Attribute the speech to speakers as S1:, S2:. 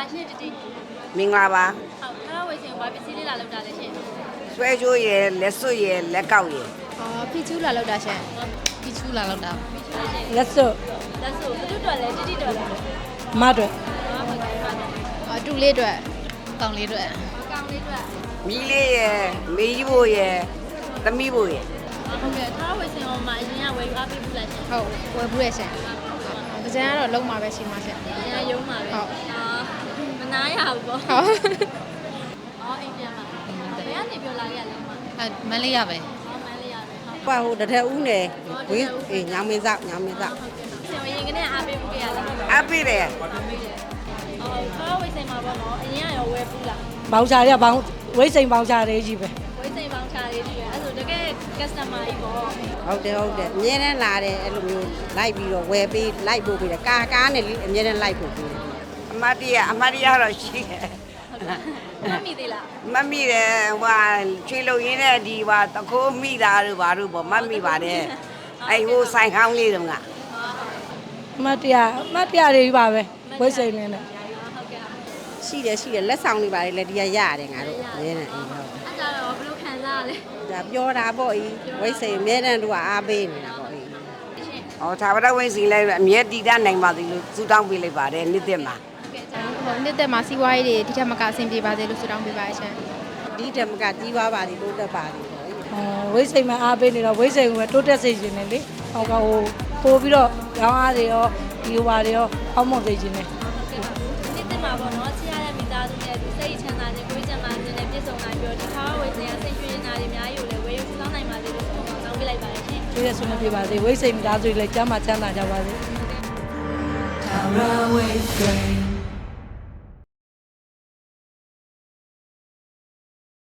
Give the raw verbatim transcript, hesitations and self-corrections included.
S1: ရှင်တတိ
S2: မင်္ဂလာပါ
S1: ဟုတ်ထားဝေစင်ဘာပစ္စည်းလေးလာလောက်တာလဲရှင်
S2: ဆွဲကြိုးရယ်လက်စွပ်ရယ်လက်ကောက်ရယ်
S3: အော်ဖီချူလာလောက်တာရှင်ဖီချူလာလောက်တာ
S1: ပြီးရှင်ရှင်
S4: လက်စွပ်
S1: လက်ဆိုဘယ်သူတော်လဲတတိတော်လဲ
S4: မအတွက်
S1: ဟာဟုတ်ကဲ့ပါတော့
S3: အော်တူလေးအတွက်ကောင်းလေးအတွက်
S1: အကောင်လေးတို့
S2: မီးလေးရယ်မေးကြီးဖို့ရယ်သမီးဖို့ရယ်
S1: ဟုတ်ကဲ့ထားဝေစင်ဟောမှာအရင်ကဝယ်ယူအားပေးဘူးလားရှင်
S3: ဟုတ်ဝယ်ဘူးရဲ့ရှင်ပကြံကတော့လုံးမှာပဲရှိမှာရှင်
S1: အရင်ရုံးမှာပဲအာမနာရဘူးပေါ့
S3: ဟုတ်
S1: အော်အိမ်ပြန်မှာဘယ်ကနေပြောလာခဲ့ရလဲမ
S3: အဲမန်းလေးရပဲ
S1: ဟောမန်းလေးရပဲဟုတ်
S2: ပါဟိုတထက်ဦးနယ်ဝင်းအေးညောင်မင်းစောက်ညောင်မင်းစောက်
S1: ဆင်ရင်ကနေအားပေးဘူးခဲ့ရလားဟုတ်
S2: အပိတယ်
S1: အော်ထားဝေစင်မှာပေါ့နော်အရင်ကရောဝယ်ဘူးလား
S4: ဘောင်ချာတွေကဘောင်ဝိတ်စိန်ဘောင်ချာတွေကြီးပဲ
S1: ဝေးစိန်ပေါင်းချလေးကြီးပဲအဲ့ဆိုတကယ် customer ကြီးပေါ့
S2: ဟုတ်တယ်ဟုတ်တယ်အမြဲတမ်းလာတယ်အဲ့လိုမျိုးလိုက်ပြီးတော့ဝယ်ပေးလိုက်ပို့ပေးတယ်ကာကားနဲ့အမြဲတမ်းလိုက်ပို့ပေးတယ်အမတ်တရအမတ်တရတော့ရှိတယ်
S1: မမိသေးလား
S2: မမိတယ်ဟိုချွေလုံရင်းနဲ့ဒီဟာတခိုးမိတာတို့ဘာတို့ပေါ့မမိပါတယ်အဲ့ဟိုဆိုင်ခေါင်းလေးတုန်းက
S4: အမတ်တရားအမတ်တရားတွေကြီးပါပဲဝိတ်စိန်နေနဲ့
S1: ဟုတ်ကဲ့
S2: ရှိတယ်ရှိတယ်လက်ဆောင်တွေပါတယ်လက်ဒီရရတယ်ငါတို့အမြဲတမ်းအေးဟုတ်
S1: အဲ့ဒါတော့ဘယ်လိုခံစားရလဲ
S2: ဒါပြောတာပေါ့ဤဝိတ်စိန်အမြဲတမ်းတို့ကအားပေးနေတာပေါ့ဤဟောသာဝရဝိတ်စိန်လည်းအမြဲတည်တတ်နိုင်ပါသေးလို့စူတောင်းပေးလိုက်ပါတယ်နှစ်သက်မှာ
S3: ဟိုနှစ်သက်မှာစီးပွားရေးတွေဒီထက်မကအဆင်ပြေပါစေလို့ဆုတောင်းပေးပါရှင်
S2: ဒီတမကကြီးပွားပါသည်တိုးတက်ပါသည်ပေါ့ဤ
S4: အဲဝိတ်စိန်မှာအားပေးနေတော့ဝိတ်စိန်ကတိုးတက်စေခြင်းနဲ့လေဟောကဟိုပို့ပြီးတော့ရောင်းအားတွေရောဒီဟိုပါတွေရောအောက်မွန်စေခြင်းနဲ့
S1: နေ့တင်မှာပေါ့နော်ချစ်ရတဲ့မိသားစုနဲ့ဒီစိတ်ချမ်းသာခြင်းကိုယ်ချမ်းသာခြင်းနဲ့ပြည့်စုံနိုင်ပြီးတော့ဒီခါဝေးစင်ကစိတ်ရွှင်နေတာတွေအများကြီးကိုလည်းဝယ်ယူဆောင်နိုင်ပါသေးလို့ဆုတောင်းပေးလိုက်ပါတယ်ရှင်
S4: ကျေးဇူးဆွေးနွေးပြပါစေဝိတ်စိန်မိသားစုတွေလည်းကျမ်းမာချမ်းသာကြပါစေ
S5: Tara Way Train